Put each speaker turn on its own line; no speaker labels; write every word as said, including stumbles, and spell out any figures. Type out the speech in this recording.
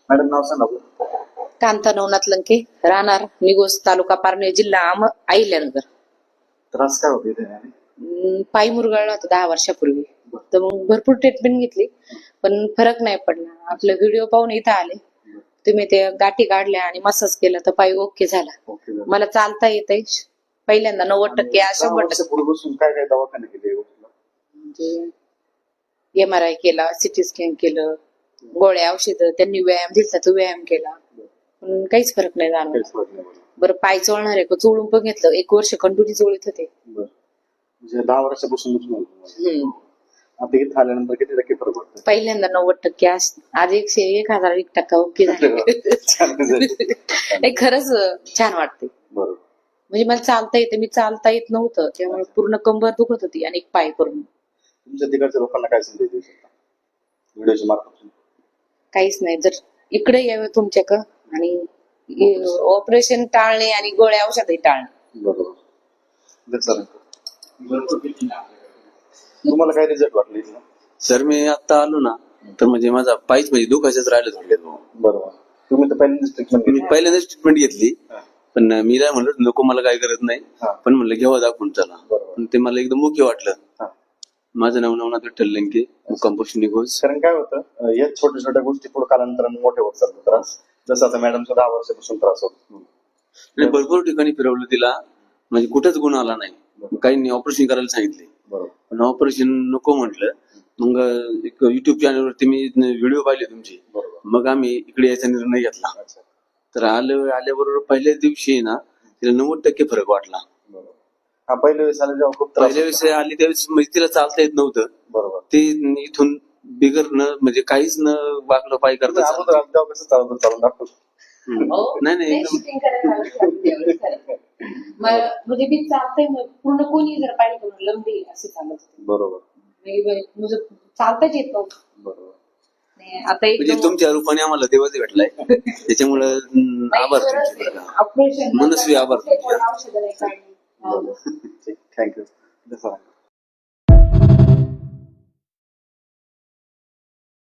Madam नाव सांगा.
कांता नवनाथ लंके, राहणार निगोज, तालुका पारनेर, जिल्हा अहम अहिल्यानगर.
त्रास काय होते त्याने?
अं, पाय मुरगळला होता दहा वर्षापूर्वी. तर मग भरपूर ट्रीटमेंट घेतली पण फरक नाही पडला. आपले व्हिडिओ पाहून इथं आले, तुम्ही ते गाठी काढल्या आणि मसाज केला तर पाय ओके झाला.
ओके झालं.
मला चालता येतंय पहिल्यांदा नव्वद टक्के
आणि
शंभर
दहा
टक्के.
वर्षापूर्वीपासून काय काय दवाखाने केले?
म्हणजे एम आर आय केला, सिटी स्कॅन केलं, गोळ्या औषधं, त्यांनी व्यायाम दिला तो व्यायाम केला पण काहीच फरक नाही जाणवला.
काहीच फरक नाही पडला.
बरं पाय चोळणार आहे का चोळून पण घेतलं, एक वर्ष कंटिन्यू चोळीत होते.
बरं. म्हणजे दहा वर्षापासून दुखणं होतं.
हम्म.
आता इथं आल्यानंतर किती टक्के फरक पडतो?
पहिल्यांदा नव्वद टक्के आज आज एकशे एक हजार एक टक्का ओके झाले.
छान झालं.
हे खरंच छान वाटते.
बरोबर.
म्हणजे मला चालता येते, मी चालता येत नव्हतं त्यामुळे पूर्ण कंबर दुखत होती आणि एक पाय करून.
तुमच्या तिकडच्या लोकांना काय संदेश देऊ शकता व्हिडिओच्या मार्फत?
काहीच नाही, जर इकडे यावं तुमच्याक आणि ऑपरेशन टाळणे आणि गोळ्या औषधही टाळणे.
बरोबर. तुम्हाला काय रिझल्ट वाटले इथला?
सर मी आता आलो ना तर म्हणजे माझा पायच म्हणजे दुखायचंच राहिलं थोडक्यात.
बरोबर. तुम्ही तर पहिल्यांदाच ट्रीटमेंट
मी
घेतली.
पहिल्यांदाच ट्रीटमेंट घेतली
हा.
पण मी काय म्हणलं नको मला काय करत नाही,
हा.
पण म्हणलं घेवा दाखवून चला.
बरोबर.
पण ते मला एकदम मुख्य वाटलं.
हा.
माझं नाव नवनाथ विठ्ठल लंके, मुक्काम पोस्ट निगोज.
कारण काय होतं, अं, या छोट्या छोट्या गोष्टी पुढे कालांतराने मोठे होत चालतो त्रास. जसं आता मॅडमचा दहा वर्षापासून त्रास होतो.
आणि भरपूर ठिकाणी फिरवलं तिला, म्हणजे कुठंच गुण आला नाही. काही ऑपरेशन करायला सांगितले
बरोबर.
पण ऑपरेशन नको म्हटलं. मग एक युट्यूब चॅनलवरती मी व्हिडिओ पाहिले तुमचे,
बरोबर.
मग आम्ही इकडे यायचा निर्णय घेतला.
अच्छा.
तर आलं आल्याबरोबर पहिल्याच दिवशी ना तिला नव्वद टक्के फरक वाटला.
बरोबर. हा पहिल्या वेळेस आले जेव्हा खूप त्रास
पहिल्या
होता.
वेळेस आली त्यावेळेस म्हणजे तिला चालता येत नव्हतं.
बरोबर.
ते इथून बिगर न म्हणजे काहीच न वागलं पाय
तुम्ही
करता
अगोदर आले तेव्हा कसं चालवतं चालून दाखवतो.
नाही नाही एकदम
शूटिंग करायला लागलं त्यावेळेस. मग म्हणजे मी चालतंय मग पूर्ण कोणी जर पाहिलं तर म्हणलं लंबी असे चालत होते.
बरोबर.
म्हणजे म्हणजे चालताच येत नव्हतं.
बरोबर.
आणि आता
म्हणजे
एकदम
तुमच्या रूपाने आम्हाला देवाच भेटलाय त्याच्यामुळे आभार तुमचे बरं का.
ऑपरेशन
मनस्वी आभार तुमचे.
औषधं नाही काढली.
ठीक. थँक्यू.